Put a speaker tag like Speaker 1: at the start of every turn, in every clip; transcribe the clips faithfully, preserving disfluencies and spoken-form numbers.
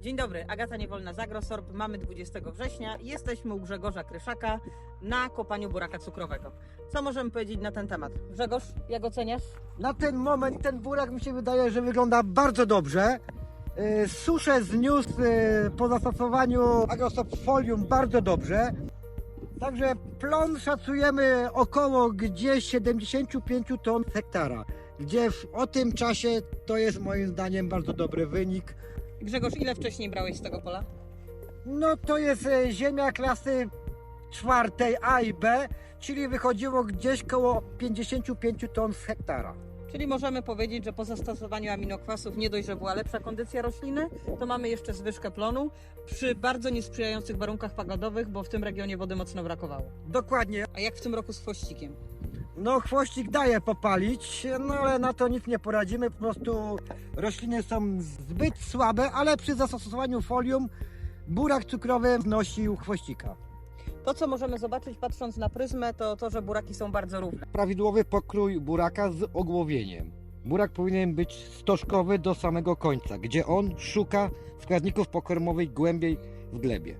Speaker 1: Dzień dobry, Agata Niewolna z Agrosorb. Mamy dwudziestego września i jesteśmy u Grzegorza Kryszaka na kopaniu buraka cukrowego. Co możemy powiedzieć na ten temat? Grzegorz, jak oceniasz?
Speaker 2: Na ten moment ten burak mi się wydaje, że wygląda bardzo dobrze. Yy, Suszę zniósł yy, po zastosowaniu Agrosorb Folium bardzo dobrze. Także plon szacujemy około gdzieś siedemdziesiąt pięć ton hektara. Gdzie w, o tym czasie to jest moim zdaniem bardzo dobry wynik.
Speaker 1: Grzegorz, ile wcześniej brałeś z tego pola?
Speaker 2: No to jest e, ziemia klasy czwartej A i B, czyli wychodziło gdzieś koło pięćdziesiąt pięć ton z hektara.
Speaker 1: Czyli możemy powiedzieć, że po zastosowaniu aminokwasów nie dość, że była lepsza kondycja rośliny, to mamy jeszcze zwyżkę plonu przy bardzo niesprzyjających warunkach pogodowych, bo w tym regionie wody mocno brakowało.
Speaker 2: Dokładnie.
Speaker 1: A jak w tym roku z chwościkiem?
Speaker 2: No chwościk daje popalić, no ale na to nic nie poradzimy, po prostu rośliny są zbyt słabe, ale przy zastosowaniu folium burak cukrowy wnosił chwościka.
Speaker 1: To, co możemy zobaczyć patrząc na pryzmę, to to, że buraki są bardzo równe.
Speaker 2: Prawidłowy pokrój buraka z ogłowieniem. Burak powinien być stożkowy do samego końca, gdzie on szuka składników pokarmowych głębiej w glebie.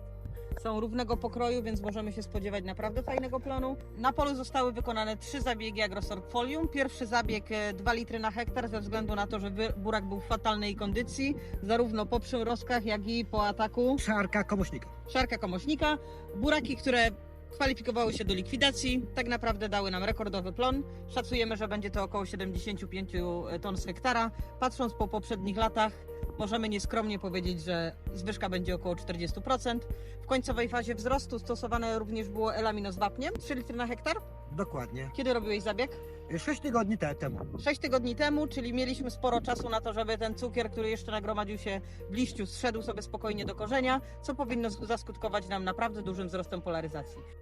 Speaker 1: Są równego pokroju, więc możemy się spodziewać naprawdę fajnego plonu. Na polu zostały wykonane trzy zabiegi Agrosorb Folium. Pierwszy zabieg dwa litry na hektar ze względu na to, że burak był w fatalnej kondycji, zarówno po przymrozkach, jak i po ataku
Speaker 2: Szarka komuśnika.
Speaker 1: szarka komośnika. Buraki, które kwalifikowały się do likwidacji, tak naprawdę dały nam rekordowy plon. Szacujemy, że będzie to około siedemdziesiąt pięć ton z hektara. Patrząc po poprzednich latach, możemy nieskromnie powiedzieć, że zwyżka będzie około czterdzieści procent. W końcowej fazie wzrostu stosowane również było Elamino z wapniem, trzy litry na hektar.
Speaker 2: Dokładnie.
Speaker 1: Kiedy robiłeś zabieg?
Speaker 2: sześć tygodni te- temu.
Speaker 1: sześć tygodni temu, czyli mieliśmy sporo czasu na to, żeby ten cukier, który jeszcze nagromadził się w liściu, zszedł sobie spokojnie do korzenia, co powinno zaskutkować nam naprawdę dużym wzrostem polaryzacji.